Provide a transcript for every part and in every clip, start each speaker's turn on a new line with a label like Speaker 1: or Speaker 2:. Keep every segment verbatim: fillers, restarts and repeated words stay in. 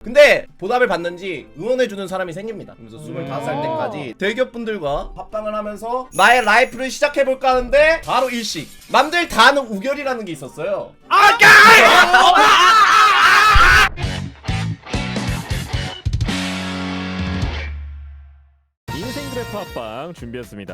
Speaker 1: 근데 보답을 받는지 응원해주는 사람이 생깁니다. 그래서 스물다섯 살 때까지 대기업분들과 합방을 하면서 나의 라이프를 시작해볼까 하는데 바로 일식. 남들 다 아는 우결이라는 게 있었어요.
Speaker 2: 아!
Speaker 3: 인생 그래프 합방 준비했습니다.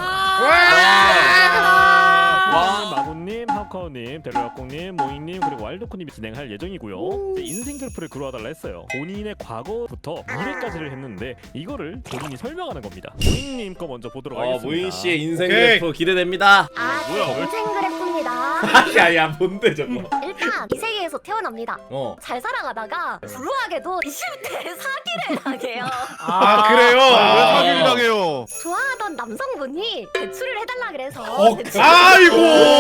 Speaker 1: 와!
Speaker 3: 마구님, 하우카우님, 데려락공님, 모잉님 그리고 왈도쿠님이 진행할 예정이고요. 이제 인생 그래프를 그려와달라 했어요. 본인의 과거부터 미래까지를 했는데 이거를 본인이 설명하는 겁니다. 모잉님 거 먼저 보도록
Speaker 1: 어,
Speaker 3: 하겠습니다.
Speaker 1: 모인 씨의 인생
Speaker 2: 오케이.
Speaker 1: 그래프 기대됩니다.
Speaker 4: 아,
Speaker 3: 뭐야,
Speaker 4: 제
Speaker 3: 왜-
Speaker 4: 인생 그래프입니다.
Speaker 1: 야야 뭔데 저거?
Speaker 4: 일단 이 세계에서 태어납니다.
Speaker 1: 어.
Speaker 4: 잘 살아가다가 불우하게도 이십 대에 사기를 당해요.
Speaker 2: 아 그래요? 왜 사기를 당해요?
Speaker 4: 좋아하던 남성분이 대출을 해달라 그래서
Speaker 1: 어,
Speaker 4: 대출
Speaker 2: 아이고.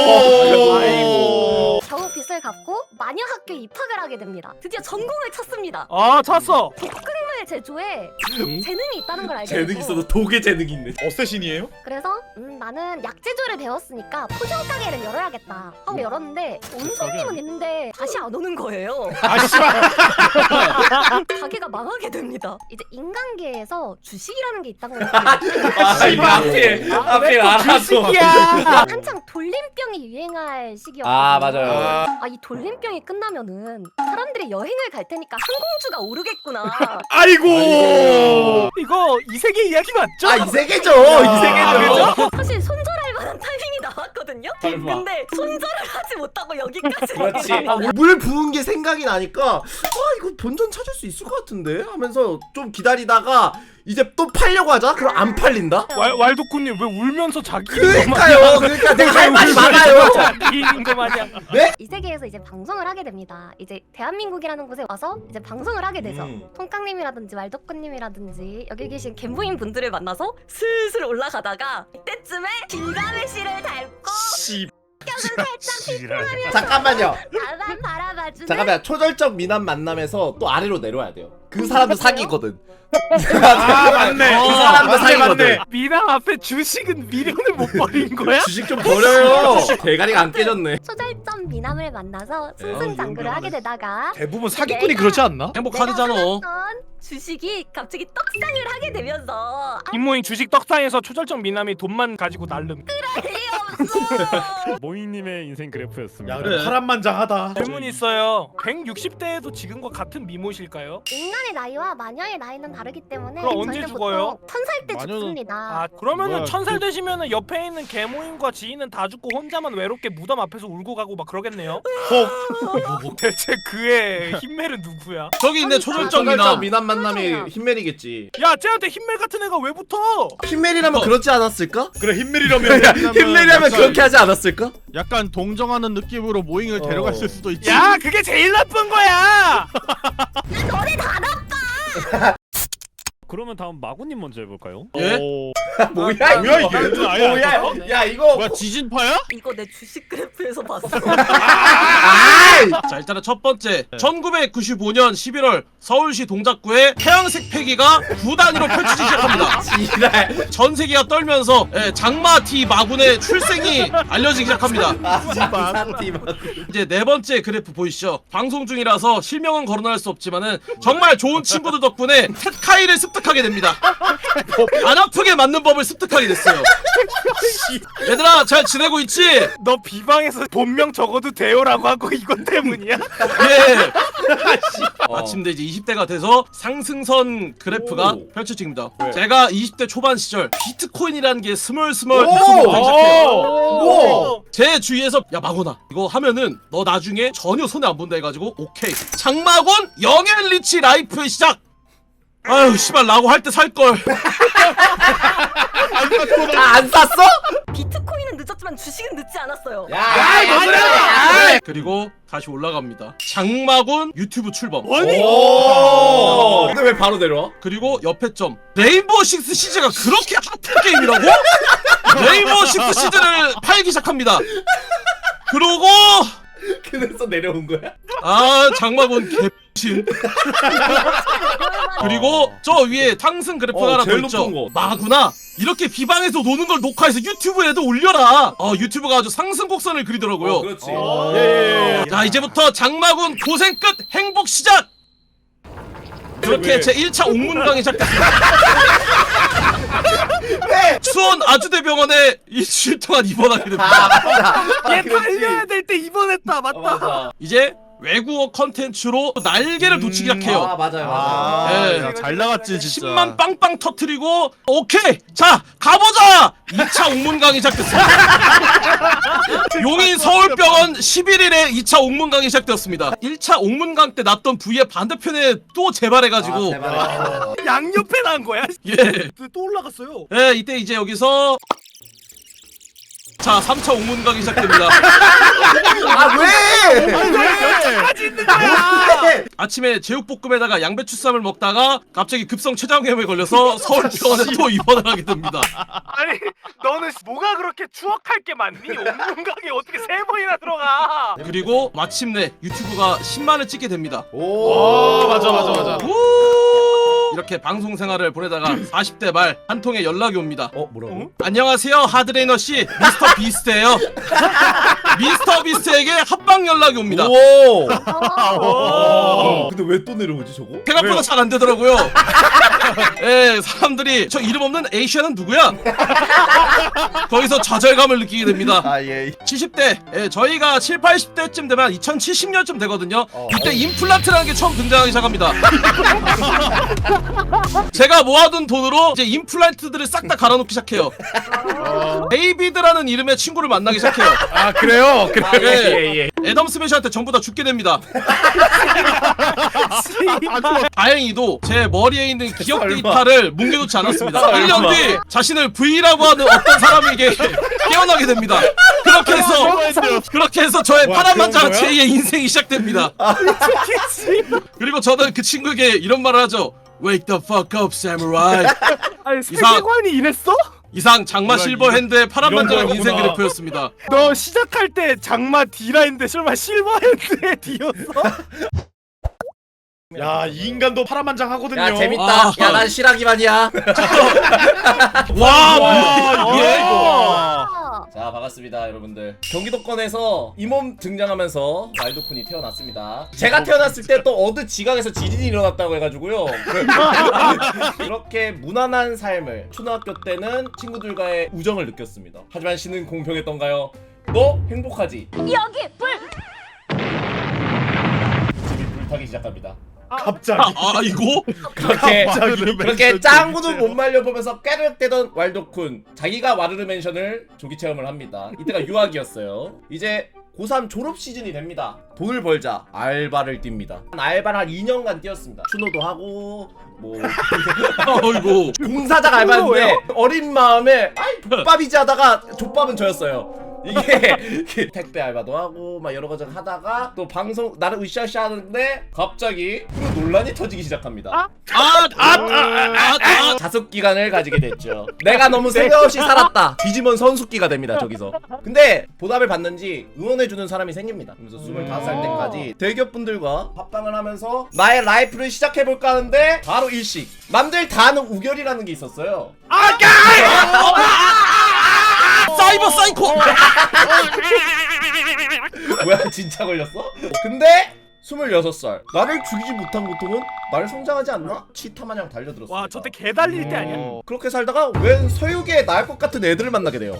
Speaker 4: 아이고. 겨우 빚을 갚고 마녀 학교에 입학을 하게 됩니다. 드디어 전공을 찾습니다.
Speaker 5: 아 찼어.
Speaker 4: 볶음을 제조에 재능이 있다는 걸 알게 되고
Speaker 1: 재능 있어도 독의 재능이 있네.
Speaker 2: 어쌔신이에요?
Speaker 4: 그래서 음, 나는 약제조를 배웠으니까 포장 가게를 열어야겠다 하고 열었는데 온 손님은 있는데 다시 안 오는 거예요.
Speaker 2: 아 씨발.
Speaker 4: 가게가 망하게 됩니다. 이제 인간계에서 주식이라는 게 있다는 걸 알게 되고
Speaker 1: 아 이거 앞에 앞에 알아서.
Speaker 4: 한창 돌림병이 유행할 시기였거든요.
Speaker 1: 아 맞아요.
Speaker 4: 아, 이 돌림병이 끝나면은 사람들이 여행을 갈 테니까 항공주가 오르겠구나.
Speaker 2: 아이고.
Speaker 5: 이거 이 세계 이야기 맞죠?
Speaker 1: 아 이 세계죠. 이 세계죠.
Speaker 4: 사실 손절할 만한 타이밍이 나왔거든요.
Speaker 1: 설마.
Speaker 4: 근데 손절을 하지 못하고 여기까지.
Speaker 1: 그렇지. 물 부은 게 생각이 나니까 아 이거 본전 찾을 수 있을 것 같은데 하면서 좀 기다리다가 이제 또 팔려고 하자? 그럼 안 팔린다?
Speaker 5: 왈 왈도쿠님 왜 울면서 자기
Speaker 1: 그러니까요. 그러니까 내가 할 말이 많아요.
Speaker 5: 자기인 거 마냥.
Speaker 4: 이 세계에서 이제 방송을 하게 됩니다. 이제 대한민국이라는 곳에 와서 이제 방송을 하게 되죠.
Speaker 1: 음.
Speaker 4: 통깡님이라든지 왈도쿠님이라든지 여기 계신 갬부인 분들을 만나서 슬슬 올라가다가 이때쯤에 길가메 씨를 닮고
Speaker 2: 씨.
Speaker 1: 잠깐만요.
Speaker 4: 나만 바라봐주는
Speaker 1: 잠깐만 초절적 미남 만남에서 또 아래로 내려와야 돼요. 그 사람도 사기거든.
Speaker 2: 아 맞네.
Speaker 1: 그 사람도
Speaker 2: 맞네,
Speaker 1: 사기거든.
Speaker 2: 맞네.
Speaker 5: 미남 앞에 주식은 미련을 못 버린 거야?
Speaker 1: 주식 좀 버려요. 대가리가 안 깨졌네.
Speaker 4: 초절점 미남을 만나서
Speaker 1: 네.
Speaker 4: 승승장구를 하게 되다가
Speaker 2: 대부분 사기꾼이 그렇지 않나?
Speaker 6: 행복하잖아.
Speaker 4: 내가 사놨던 주식이 갑자기 떡상을 하게 되면서 아,
Speaker 5: 임모잉 주식 떡상에서 초절정 미남이 돈만 가지고 날름.
Speaker 4: 일이 없어.
Speaker 3: 모잉님의 인생 그래프였습니다.
Speaker 2: 야 그래 파란만장하다.
Speaker 5: 질문 있어요. 백육십 대에도 지금과 같은 미모실까요?
Speaker 4: 인간의 나이와 마녀의 나이는 다르기 때문에
Speaker 5: 그럼 언제
Speaker 4: 저희는
Speaker 5: 죽어요?
Speaker 4: 보통 천살 때
Speaker 2: 마녀는-
Speaker 4: 죽습니다.
Speaker 5: 아 그러면은
Speaker 2: 뭐야,
Speaker 5: 천살
Speaker 2: 그-
Speaker 5: 되시면은 옆에 있는 계모인과 지인은 다 죽고 혼자만 외롭게 무덤 앞에서 울고 가고 막 그러겠네요.
Speaker 2: 헉.
Speaker 5: 대체 그의 힘멜은 누구야?
Speaker 6: 저기 있네 초절정 미남.
Speaker 1: 초절적 미남 만남이
Speaker 4: 초절정
Speaker 1: 힘멜이겠지.
Speaker 5: 야 쟤한테 힘멜 같은 애가 왜 붙어?
Speaker 1: 힘멜이라면 그렇지 않았을까?
Speaker 2: 그래 흰멜이라면.
Speaker 1: 힘멜이라면 그렇게 하지 않았을까?
Speaker 7: 약간 동정하는 느낌으로 모잉을
Speaker 1: 어.
Speaker 7: 데려갔을 수도 있지.
Speaker 5: 야 그게 제일 나쁜 거야.
Speaker 4: 너네 다 나빠.
Speaker 3: 그러면 다음 마구님 먼저 해볼까요?
Speaker 6: 예?
Speaker 7: 오.
Speaker 1: 뭐야
Speaker 2: 뭐야,
Speaker 1: 이거?
Speaker 2: 이게?
Speaker 1: 뭐야? 야 이거.
Speaker 7: 뭐야 지진파야?
Speaker 4: 이거 내 주식 그래프에서 봤어.
Speaker 1: 아!
Speaker 6: 자 일단은 첫 번째 천구백구십오 년 십일월 서울시 동작구에 태양색 폐기가 구 단위로 펼치기 시작합니다.
Speaker 1: 지랄.
Speaker 6: 전 세계가 떨면서 예, 장마 티 마군의 출생이 알려지기 시작합니다.
Speaker 1: 아 장사티 막.
Speaker 6: 이제 네 번째 그래프 보이시죠? 방송 중이라서 실명은 거론할 수 없지만은 정말 좋은 친구들 덕분에 캣카이를 습득하게 됩니다. 안 아프게 맞는 법을 습득하게 됐어요. 얘들아 잘 지내고 있지?
Speaker 5: 너 비방에서 본명 적어도 돼요라고 하고 이것 때문이야?
Speaker 6: 예.
Speaker 1: 어.
Speaker 6: 마침내 이제 이십 대가 돼서 상승선 그래프가
Speaker 1: 오.
Speaker 6: 펼쳐집니다.
Speaker 1: 왜?
Speaker 6: 제가 이십 대 초반 시절 비트코인이라는 게 스멀스멀
Speaker 1: 오!
Speaker 6: 입소문나기 시작해요.
Speaker 1: 오!
Speaker 6: 제 주위에서 야 마고나 이거 하면은 너 나중에 전혀 손해 안 본다 해가지고 오케이 장마곤 영앤리치 라이프의 시작. 아유 씨발 라고 할 때 살걸.
Speaker 1: 아, 안 샀어?
Speaker 4: 비트코인은 늦었지만 주식은 늦지 않았어요.
Speaker 1: 야, 야, 야, 야,
Speaker 6: 그리고 다시 올라갑니다. 장마곤 유튜브 출범.
Speaker 1: 오! 근데 왜 바로 내려와?
Speaker 6: 그리고 옆에 점 레인보우 식스 시즈가 그렇게 핫한 게임이라고? 레인보우 식스 시즈를 팔기 시작합니다. 그러고
Speaker 1: 그래서 내려온 거야?
Speaker 6: 아 장마곤 개신. 그리고 저 위에 상승 그래프가
Speaker 1: 어,
Speaker 6: 하나 더
Speaker 1: 제일
Speaker 6: 있죠.
Speaker 1: 높은 거.
Speaker 6: 마구나 이렇게 비방에서 노는 걸 녹화해서 유튜브에도 올려라. 어 유튜브가 아주 상승 곡선을 그리더라고요.
Speaker 1: 어, 그렇지.
Speaker 2: 예.
Speaker 6: 자 이제부터 장마군 고생 끝 행복 시작. 그렇게
Speaker 2: 왜?
Speaker 6: 제 일 차 옥문강이 시작됐습니다. 수원 아주대병원에 일주일 동안 입원하게 됩니다.
Speaker 1: 아 맞다.
Speaker 5: 얘 달려야 될 때 입원했다 맞다.
Speaker 1: 어, 맞아.
Speaker 6: 이제 외국어 컨텐츠로 날개를 놓치기 시작해요.
Speaker 1: 아 맞아요 맞아요.
Speaker 7: 아,
Speaker 6: 예.
Speaker 7: 야, 잘 나갔지 진짜.
Speaker 6: 십만 빵빵 터트리고 오케이 자 가보자. 이 차 옥문강이 시작됐습니다. 용인 서울병원 십일 일에 이 차 옥문강이 시작되었습니다. 일 차 옥문강 때 났던 부위의 반대편에 또 재발해가지고
Speaker 1: 아, 제발.
Speaker 5: 양옆에 난 거야.
Speaker 6: 예.
Speaker 5: 또 올라갔어요.
Speaker 6: 예, 이때 이제 여기서 자 삼 차 옥문강이 시작됩니다.
Speaker 1: 아 왜?
Speaker 7: 아니 왜?
Speaker 5: 가지 있는 거야.
Speaker 1: 왜?
Speaker 6: 아침에 제육볶음에다가 양배추쌈을 먹다가 갑자기 급성 췌장염에 걸려서 서울병원에 또 입원을 하게 됩니다.
Speaker 5: 아니 너는 뭐가 그렇게 추억할 게 많니? 옥문강에 어떻게 세 번이나 들어가?
Speaker 6: 그리고 마침내 유튜브가 십만을 찍게 됩니다.
Speaker 1: 오
Speaker 2: 어, 맞아, 맞아, 맞아.
Speaker 6: 우! 이렇게 방송 생활을 보내다가 사십 대 말 한 통의 연락이 옵니다.
Speaker 1: 어 뭐라고?
Speaker 6: 안녕하세요 하드레이너 씨 미스터 비스트예요. 미스터 비스트에게 합방 연락이 옵니다.
Speaker 1: 오.
Speaker 5: 오.
Speaker 1: 근데 왜 또 내려오지 저거?
Speaker 6: 생각보다 잘 안 되더라고요. 예, 사람들이 저 이름 없는 에이시아는 누구야? 거기서 좌절감을 느끼게 됩니다.
Speaker 1: 아 예.
Speaker 6: 칠십 대, 예, 저희가 칠, 팔십 대쯤 되면 이천칠십 년쯤 되거든요.
Speaker 1: 어.
Speaker 6: 이때 임플란트라는 게 처음 등장하기 시작합니다. 제가 모아둔 돈으로 이제 임플란트들을 싹 다 갈아놓기 시작해요. 데이비드라는 이름의 친구를 만나기 시작해요.
Speaker 2: 아 그래요? 그래.
Speaker 1: 아, 예.
Speaker 6: 예,
Speaker 2: 예.
Speaker 6: 애덤 스매시한테 전부 다 죽게 됩니다. 다행히도 제 머리에 있는 기억
Speaker 1: 설마.
Speaker 6: 데이터를 뭉개놓지 않았습니다.
Speaker 1: 설마.
Speaker 6: 일 년 뒤 자신을 V라고 하는 어떤 사람에게 깨어나게 됩니다. 그렇게 해서 그렇게 해서 저의
Speaker 2: 와,
Speaker 6: 파란만장한
Speaker 2: 그런 거야?
Speaker 6: 제이의 인생이 시작됩니다. 그리고 저는 그 친구에게 이런 말을 하죠. Wake the fuck up, samurai.
Speaker 5: 아니
Speaker 6: 이상-
Speaker 5: 세계관이 이랬어?
Speaker 6: 이상 장마
Speaker 2: 뭐야,
Speaker 6: 실버핸드의 파란만장한
Speaker 2: 이런
Speaker 6: 인생
Speaker 2: 거였구나.
Speaker 6: 그래프였습니다.
Speaker 5: 너 시작할 때 장마 D라인데 설마 실버핸드에 D였어?
Speaker 2: 야, 이 인간도 파란만장하거든요.
Speaker 1: 야 재밌다.
Speaker 6: 아.
Speaker 1: 야 난 실하기만이야.
Speaker 6: 와,
Speaker 2: 와,
Speaker 6: 뭐야
Speaker 2: 이게 이거.
Speaker 4: 아,
Speaker 1: 자 반갑습니다 여러분들. 경기도권에서 이 몸 등장하면서 말도쿤이 태어났습니다. 제가 태어났을 때 또 어느 지각에서 지진이 일어났다고 해가지고요. 이렇게 무난한 삶을 초등학교 때는 친구들과의 우정을 느꼈습니다. 하지만 신은 공평했던가요? 너 행복하지?
Speaker 4: 여기 불.
Speaker 1: 집이 불타기 시작합니다.
Speaker 2: 갑자기.
Speaker 6: 아, 아 이거?
Speaker 1: 그렇게
Speaker 2: 갑자기.
Speaker 1: 그렇게 짱구도 못 말려보면서 깨르륵대던 왈도쿤 자기가 와르르 맨션을 조기 체험을 합니다. 이때가 유학이었어요. 이제 고삼 졸업 시즌이 됩니다. 돈을 벌자 알바를 띱니다. 알바를 한 이 년간 뛰었습니다. 추노도 하고 뭐
Speaker 6: 어이구.
Speaker 1: 공사장 알바인데 어린 마음에 아이 족밥이지 하다가 족밥은 저였어요. 이게 택배 알바도 하고 막 여러 가지 하다가 또 방송 나를 으쌰으쌰 하는데 갑자기 그 논란이 터지기 시작합니다.
Speaker 6: 아, 아, 아, 아, 아.
Speaker 1: 자숙 기간을 가지게 됐죠. 내가 너무 생각 없이 살았다. 뒤집은 선숙기가 됩니다. 저기서. 근데 보답을 받는지 응원해주는 사람이 생깁니다. 그래서 스물다섯 살 때까지 대기업분들과 합방을 하면서 나의 라이프를 시작해볼까 하는데 바로 일식. 남들 다 아는 우결이라는 게 있었어요.
Speaker 6: 사이버 사이코.
Speaker 1: 뭐야 진짜 걸렸어? 근데 스물여섯 살 나를 죽이지 못한 고통은 나를 성장하지 않나? 치타마냥 달려들었어.
Speaker 5: 와 저때 개 달릴 때 아니야?
Speaker 7: 어.
Speaker 1: 그렇게 살다가 웬 서유기에 나을 것 같은 애들을 만나게 돼요.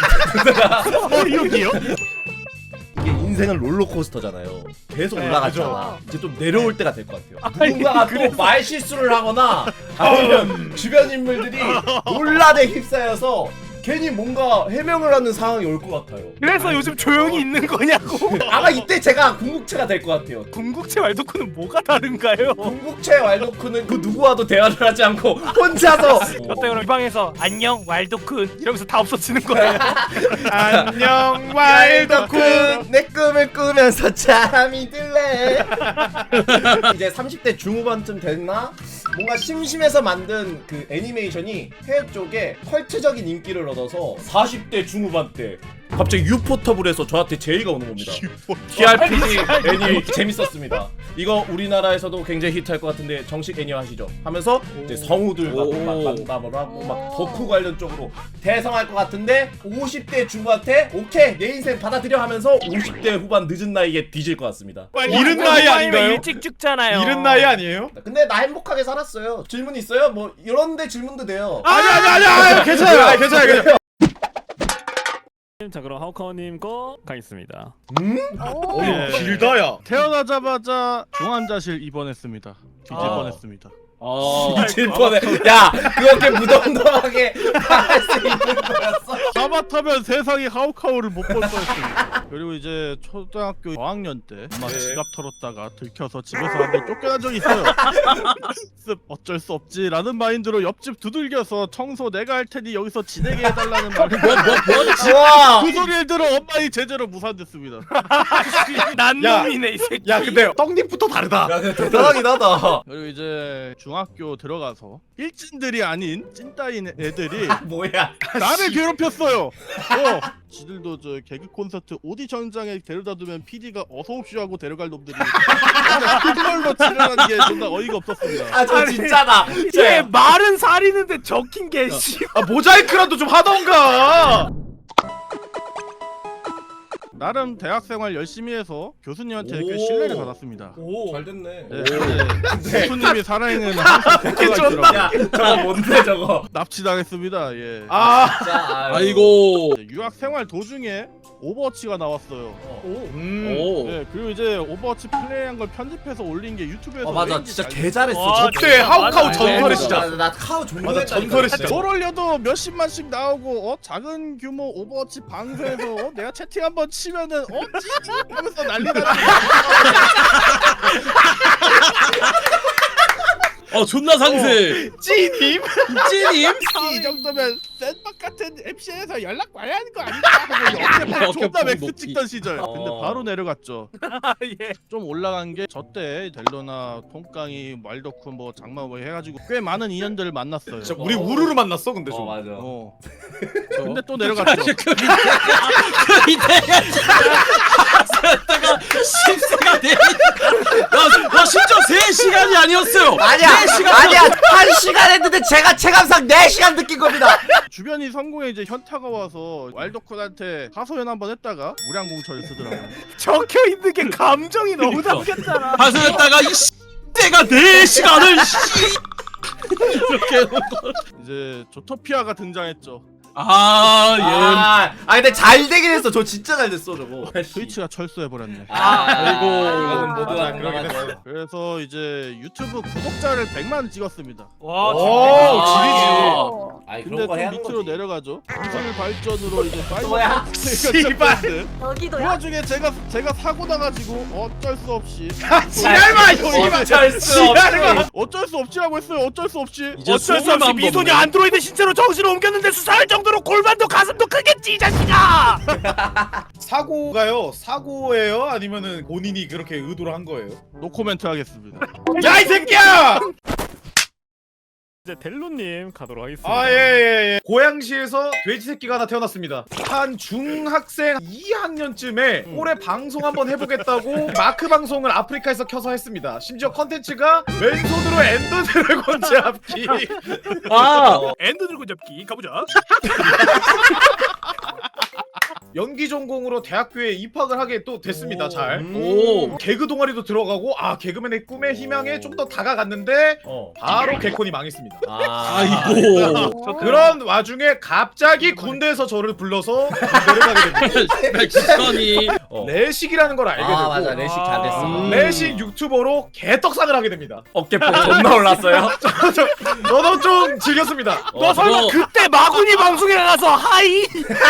Speaker 7: 여기요?
Speaker 1: 이게 인생은 롤러코스터잖아요. 계속
Speaker 5: 네,
Speaker 1: 올라가잖아. 이제 좀 내려올 때가 될 것 같아요. 누군가가 또 말실수를 하거나 아니면 주변 인물들이 논란에 휩싸여서 괜히 뭔가 해명을 하는 상황이 올 것 같아요.
Speaker 5: 그래서 요즘 조용히 있는 거냐고.
Speaker 1: 아마 이때 제가 궁극체가 될 것 같아요.
Speaker 5: 궁극체 왈도쿠는 뭐가 다른가요?
Speaker 1: 궁극체 왈도쿠는 그 누구와도 대화를 하지 않고 혼자서
Speaker 5: 어때 그럼 이 방에서 안녕 왈도쿤 이러면서 다 없어지는 거예요.
Speaker 2: 안녕
Speaker 1: 왈도쿤 내 꿈을 꾸면서 잠이 들래. 이제 삼십 대 중후반쯤 됐나? 뭔가 심심해서 만든 그 애니메이션이 해외 쪽에 컬트적인 인기를 얻어서 사십 대 중후반 때 갑자기 유포터블에서 저한테 제의가 오는 겁니다. 티알피지 애니 재밌었습니다. 이거 우리나라에서도 굉장히 히트할 것 같은데 정식 애니 하시죠? 하면서 이제 성우들과
Speaker 6: 오.
Speaker 1: 막 만담을 하고 막 덕후 관련 쪽으로 대성할 것 같은데 오십 대 중반한테 오케이 내 인생 받아들여 하면서 오십 대 후반 늦은 나이에 뒤질 것 같습니다.
Speaker 2: 이른 나이 아닌가요?
Speaker 5: 일찍 죽잖아요.
Speaker 2: 이른 나이 아니에요?
Speaker 1: 근데 나 행복하게 살았어요. 질문 있어요? 뭐 이런데 질문도 돼요.
Speaker 2: 아니 아니 아니 아니 괜찮아요. 아니, 괜찮아요. 괜찮아요.
Speaker 3: 자 그럼 하우카우님 거 가겠습니다.
Speaker 1: 음?
Speaker 4: 오.
Speaker 2: 어, 길다야.
Speaker 7: 태어나자마자 중환자실 입원했습니다. 뒤질
Speaker 1: 아.
Speaker 7: 뻔했습니다.
Speaker 6: 아,
Speaker 1: 질 뻔해. 야 그렇게 무덤덤하게 할 수 있는 거였어?
Speaker 7: 하마터면 세상에 하우카우를 못 볼 뻔했습니다. 그리고 이제 초등학교 저학년 때 엄마
Speaker 2: 네.
Speaker 7: 지갑 털었다가 들켜서 집에서 한번 쫓겨난 적이 있어요. 습 어쩔 수 없지라는 마인드로 옆집 두들겨서 청소 내가 할 테니 여기서 지내게 해달라는 말을
Speaker 1: 우와.
Speaker 7: 그 소리를 들어 엄마의 제재로 무산됐습니다.
Speaker 5: 난
Speaker 2: 야.
Speaker 5: 놈이네 이 새끼.
Speaker 2: 야 근데 떡잎부터 다르다.
Speaker 1: 야 근데 대단하긴 하다.
Speaker 7: 그리고 이제 중학교 들어가서 일진들이 아닌 찐따인 애들이
Speaker 1: 뭐야?
Speaker 7: 나를 괴롭혔어요. 어, 지들도 저 개그 콘서트 오디션장에 데려다 두면 피디가 어서 옵쇼 하고 데려갈 놈들이 그걸로 출연하는 게 존나 어이가 없었습니다.
Speaker 1: 아 저 진짜다.
Speaker 5: 얘 말은 살이는데 적힌 게 씨.
Speaker 2: 아 모자이크라도 좀 하던가.
Speaker 7: 나름 대학생활 열심히 해서 교수님한테 꽤
Speaker 1: 오.
Speaker 7: 신뢰를 받았습니다.
Speaker 1: 오, 잘 됐네.
Speaker 7: 네, 근데 교수님이 살아있는 항상 댓글가 있더라고요.
Speaker 1: 야, 저거 뭔데 저거?
Speaker 7: 납치당했습니다. 예.
Speaker 2: 아.
Speaker 1: 자,
Speaker 6: 아이고.
Speaker 7: 네, 유학 생활 도중에 오버워치가 나왔어요.
Speaker 2: 음.
Speaker 6: 오.
Speaker 7: 네, 그리고 이제 오버워치 플레이한 걸 편집해서 올린 게 유튜브에서
Speaker 1: 어 맞아,
Speaker 7: 왠지
Speaker 1: 진짜
Speaker 7: 잘
Speaker 1: 개 잘했어.
Speaker 5: 와,
Speaker 1: 저-
Speaker 2: 그때 하우카우
Speaker 5: 맞아,
Speaker 2: 전설의
Speaker 5: 맞아.
Speaker 2: 시작.
Speaker 1: 나, 나 카우 존나
Speaker 2: 맞아,
Speaker 1: 했다니까,
Speaker 2: 전설의
Speaker 1: 진짜.
Speaker 2: 시작.
Speaker 7: 뭘 올려도 몇십만씩 나오고 어 작은 규모 오버워치 방송에서 어, 내가 채팅 한번 치면은 어 찌 하면서 난리 나는
Speaker 6: 어 존나 상세.
Speaker 2: 찌님.
Speaker 6: 찌님?
Speaker 7: 이 정도면 샌박 같은 엠씨에서 연락 와야 하는 거 아닌가 하고 어깨 존나 맥스
Speaker 6: 높이.
Speaker 7: 찍던 시절.
Speaker 1: 어.
Speaker 7: 근데 바로 내려갔죠.
Speaker 5: 예.
Speaker 7: 좀 올라간 게 저 때 델로나 통깡이 말덕후 뭐 장마 뭐 해가지고 꽤 많은 인연들을 만났어요.
Speaker 2: 진짜 우리 우르르 만났어 근데
Speaker 1: 어
Speaker 2: 좀.
Speaker 1: 맞아.
Speaker 7: 어. 근데 또 내려갔죠.
Speaker 6: 이때가 십세가 돼. 야, 와 심지어 세 시간이 아니었어요.
Speaker 1: 아니야,
Speaker 6: 네 시간
Speaker 1: 아니야. 한 시간 했는데 제가 체감상 네 시간 느낀 겁니다.
Speaker 7: 주변이 성공에 이제 현타가 와서 왈도쿤한테 하소연 한번 했다가 무량공처를 쓰더라고요.
Speaker 5: 적혀 있는 게 감정이 너무 담겼잖아.
Speaker 6: 하소했다가 이 씨대가 네 시간을 씨. 이렇게 해놓고.
Speaker 7: 이제 조토피아가 등장했죠.
Speaker 6: 아 예.
Speaker 1: 아, 아 근데 잘 되긴 했어. 저 진짜 잘 됐어 저거.
Speaker 7: 트위치가 철수해버렸네.
Speaker 1: 아,
Speaker 6: 아이고.
Speaker 1: 이건 모두
Speaker 2: 맞아,
Speaker 1: 다
Speaker 2: 그러긴
Speaker 1: 그러겠어.
Speaker 7: 그래서 이제 유튜브 구독자를 백만 찍었습니다.
Speaker 5: 와,
Speaker 2: 오,
Speaker 5: 진짜.
Speaker 1: 아이
Speaker 7: 근데
Speaker 1: 그런 거
Speaker 7: 좀
Speaker 1: 해야
Speaker 7: 밑으로
Speaker 1: 거지.
Speaker 7: 내려가죠. 기술 발전으로 이제
Speaker 1: 뭐야?
Speaker 2: 씨발.
Speaker 7: 그
Speaker 4: 여기도요?
Speaker 7: 와중에 제가 제가 사고 나가지고 어쩔 수 없이
Speaker 2: 지랄마 씨발.
Speaker 1: 어쩔 수
Speaker 2: 지랄마.
Speaker 1: 없지.
Speaker 7: 어쩔 수 없지라고 했어요. 어쩔 수 없이.
Speaker 6: 이제
Speaker 5: 어쩔 수
Speaker 6: 소금만
Speaker 5: 없이 미소녀
Speaker 6: 먹네.
Speaker 5: 안드로이드 신체로 정신을 옮겼는데 수사할 정도로 골반도 가슴도 크겠지 이 자식아.
Speaker 2: 사고가요. 사고예요? 아니면은 본인이 그렇게 의도를 한 거예요?
Speaker 7: 노코멘트 하겠습니다.
Speaker 2: 야 이 새끼야!
Speaker 3: 이제 델로님 가도록 하겠습니다.
Speaker 2: 아 예 예 예. 고양시에서 돼지 새끼가 하나 태어났습니다. 한 중학생 이 학년쯤에 올해 방송 한번 해보겠다고 마크 방송을 아프리카에서 켜서 했습니다. 심지어 컨텐츠가 왼손으로 엔더 드래곤 잡기.
Speaker 6: 아.
Speaker 5: 엔드 들고 잡기 가보자.
Speaker 2: 연기 전공으로 대학교에 입학을 하게 또 됐습니다.
Speaker 1: 오.
Speaker 2: 잘.
Speaker 1: 음.
Speaker 6: 오.
Speaker 2: 개그 동아리도 들어가고 아 개그맨의 꿈에 희망에 좀 더 다가갔는데
Speaker 1: 어.
Speaker 2: 바로 개콘이 망했습니다.
Speaker 1: 아.
Speaker 6: 아이고.
Speaker 2: 그런 와중에 갑자기 군대에서 저를 불러서 군대를 가게 됩니다.
Speaker 6: 멕시칸이.
Speaker 1: 어.
Speaker 2: 레식이라는 걸 알게 되고
Speaker 1: 아 맞아 레식 잘 됐어.
Speaker 6: 음.
Speaker 2: 레식 유튜버로 개떡상을 하게 됩니다.
Speaker 1: 어깨폭 존나 올랐어요.
Speaker 2: 저도 좀 즐겼습니다.
Speaker 1: 어,
Speaker 5: 너 설마
Speaker 6: 너-
Speaker 5: 그때 마구니 방송에 가서 하이?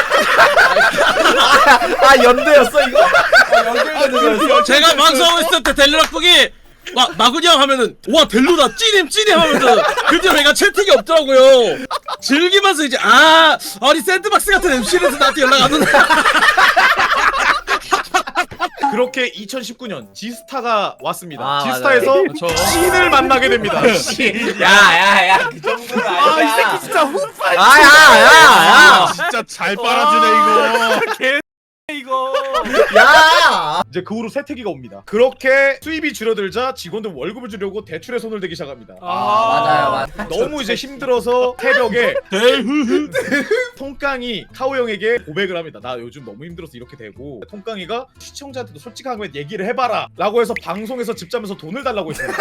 Speaker 1: 아 연대였어 이거? 아, 연결되는 거였어.
Speaker 6: 제가 방송하고 있을 때 델로락국이 와 마구니 형 하면은 와 델로다 찌님 찌님 하면서 근데 내가 채팅이 없더라고요. 즐기면서 이제 아 아니 샌드박스 같은 엠씨에서 나한테 연락 안 온다.
Speaker 2: 그렇게 이천십구 년 지스타가 왔습니다.
Speaker 1: 아,
Speaker 2: 지스타에서
Speaker 6: 그렇죠.
Speaker 2: 신을 만나게 됩니다.
Speaker 1: 야야야 그 정도는 아니야.
Speaker 5: 아 이 새끼 진짜 훈파.
Speaker 1: 아야야야.
Speaker 7: 진짜 잘 빨아주네 이거.
Speaker 5: 개 이거.
Speaker 1: 야!
Speaker 2: 이제 그 후로 쇠퇴기가 옵니다. 그렇게 수입이 줄어들자 직원들 월급을 주려고 대출에 손을 대기 시작합니다.
Speaker 1: 아, 맞아요, 맞아요.
Speaker 2: 너무 이제 힘들어서 새벽에
Speaker 6: 대흐흐.
Speaker 2: 통깡이 카오 형에게 고백을 합니다. 나 요즘 너무 힘들어서 이렇게 되고. 통깡이가 시청자한테도 솔직하게 얘기를 해봐라 라고 해서 방송에서 집 자면서 돈을 달라고 했습니다.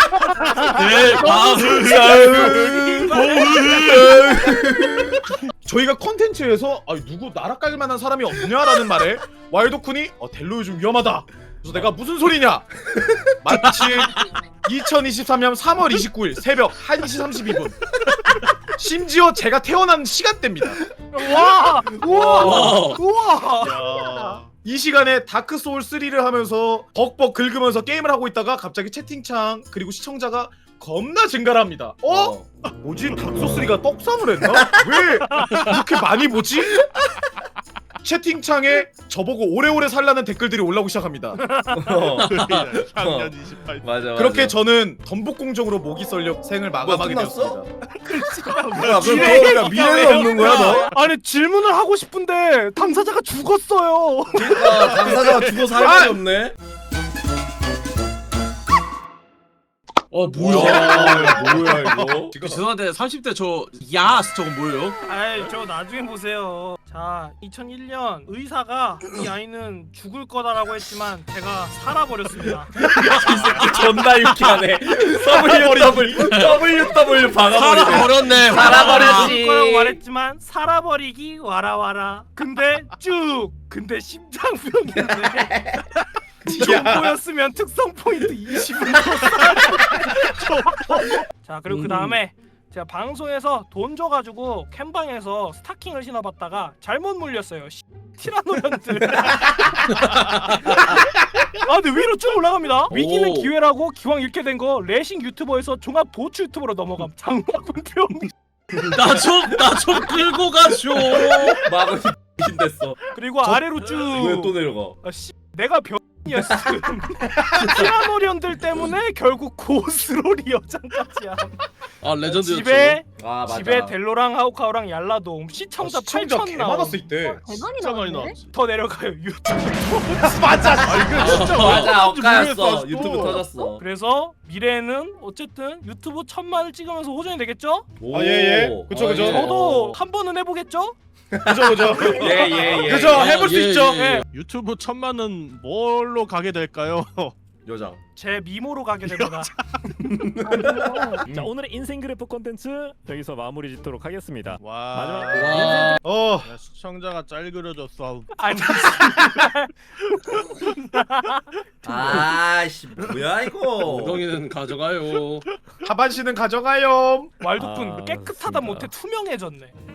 Speaker 2: 저희가 컨텐츠에서 아, 누구 나락 깔 만한 사람이 없냐라는 말에 와일드쿤이 어, 델로 요즘 위험하다. 그래서 내가 무슨 소리냐? 마침 이천이십삼 년 삼월 이십구일 새벽 한 시 삼십이 분. 심지어 제가 태어난 시간대입니다.
Speaker 5: 와. 우와.
Speaker 6: 와.
Speaker 5: 우와.
Speaker 7: 야.
Speaker 2: 이 시간에 다크 소울 쓰리를 하면서 벅벅 긁으면서 게임을 하고 있다가 갑자기 채팅창 그리고 시청자가 겁나 증가를 합니다. 어? 뭐지? 닥소 쓰리가 떡상을 했나? 왜 이렇게 많이 보지? 채팅창에 저보고 오래오래 살라는 댓글들이 올라오기 시작합니다.
Speaker 1: 어.
Speaker 7: 작년 이십팔.
Speaker 1: 맞아, 맞아.
Speaker 2: 그렇게 저는 덤복공정으로 모기 썰려 생을 마감하게
Speaker 1: 뭐 끝났어?
Speaker 2: 되었습니다.
Speaker 1: 뭐야, 그럼 너 미래는 없는 거야, 너?
Speaker 5: 아니 질문을 하고 싶은데 당사자가 죽었어요.
Speaker 1: 그러니까 당사자가 죽어서 할 말이 없네.
Speaker 6: 어
Speaker 1: 와,
Speaker 6: 뭐야?
Speaker 1: 뭐야 이거?
Speaker 6: 그 죄송한데 삼십 대 저 야스 저건 뭐예요?
Speaker 5: 아이 저 나중에 보세요. 자 이천일 년 의사가 이 아이는 죽을 거다라고 했지만 제가 살아버렸습니다.
Speaker 1: 이 새끼 존나 유쾌하네. 더블유 더블유 더블유 더블유 박아버리네.
Speaker 6: 살아버렸네.
Speaker 1: 살아버렸지.
Speaker 5: 죽을 거라고 말했지만 살아버리기 와라와라. 근데 쭉. 근데 심장병인데. 정보였으면 특성 포인트 이십을 자 그리고 그 다음에 제가 방송에서 돈 줘가지고 캠방에서 스타킹을 신어봤다가 잘못 물렸어요. 씨, 티라노련들. 아 근데 위로 쭉 올라갑니다. 위기는
Speaker 6: 오.
Speaker 5: 기회라고 기왕 이렇게 된 거 레이싱 유튜버에서 종합 보추 유튜버로 넘어감. 장마군평.
Speaker 6: 나 좀 나 좀 끌고 가쇼.
Speaker 1: 막은 신 됐어.
Speaker 5: 그리고 아래로 쭉.
Speaker 1: 왜 또 내려가?
Speaker 5: 아, 씨, 내가 병이었음. 티라노련들 때문에 결국 고스로리 여장까지야.
Speaker 6: 아 레전드였죠.
Speaker 5: 집에
Speaker 1: 아 맞아.
Speaker 5: 집에 델로랑 하우카우랑 얄라돔 시청자
Speaker 2: 어, 시청자
Speaker 5: 팔천
Speaker 2: 개
Speaker 5: 나옴.
Speaker 2: 많았어 이때.
Speaker 4: 대박이
Speaker 7: 진짜 많이
Speaker 4: 나왔네.
Speaker 7: 나왔지.
Speaker 5: 더 내려가요 유튜브.
Speaker 2: 맞아. 아, 이거 진짜
Speaker 1: 맞아
Speaker 7: 뭔지
Speaker 1: 엇가였어.
Speaker 7: 모르겠어,
Speaker 1: 유튜브
Speaker 7: 아직도.
Speaker 1: 터졌어.
Speaker 5: 그래서 미래에는 어쨌든 유튜브 천만을 찍으면서 호전이 되겠죠?
Speaker 2: 아, 예, 예. 그쵸, 그쵸.
Speaker 5: 저도 한 번은 해보겠죠?
Speaker 2: 그죠 그죠.
Speaker 1: 예예 예.
Speaker 2: 그죠 해볼 수
Speaker 6: 예,
Speaker 2: 있죠.
Speaker 6: 예, 예.
Speaker 7: 유튜브 천만은 뭘로 가게 될까요?
Speaker 1: 여장.
Speaker 5: 제 미모로 가게 됩니다.
Speaker 3: 자 오늘의 인생 그래프 콘텐츠 여기서 마무리 짓도록 하겠습니다.
Speaker 7: 와.
Speaker 3: 마지막
Speaker 6: 와.
Speaker 2: 어.
Speaker 7: 야, 시청자가 짤 그려줬어.
Speaker 5: 아니
Speaker 1: 아씨 뭐야 이거.
Speaker 6: 엉덩이는 가져가요.
Speaker 2: 하반신은 가져가요.
Speaker 5: 왈도쿤
Speaker 3: 아,
Speaker 5: 깨끗하다
Speaker 3: 좋습니다.
Speaker 5: 못해 투명해졌네.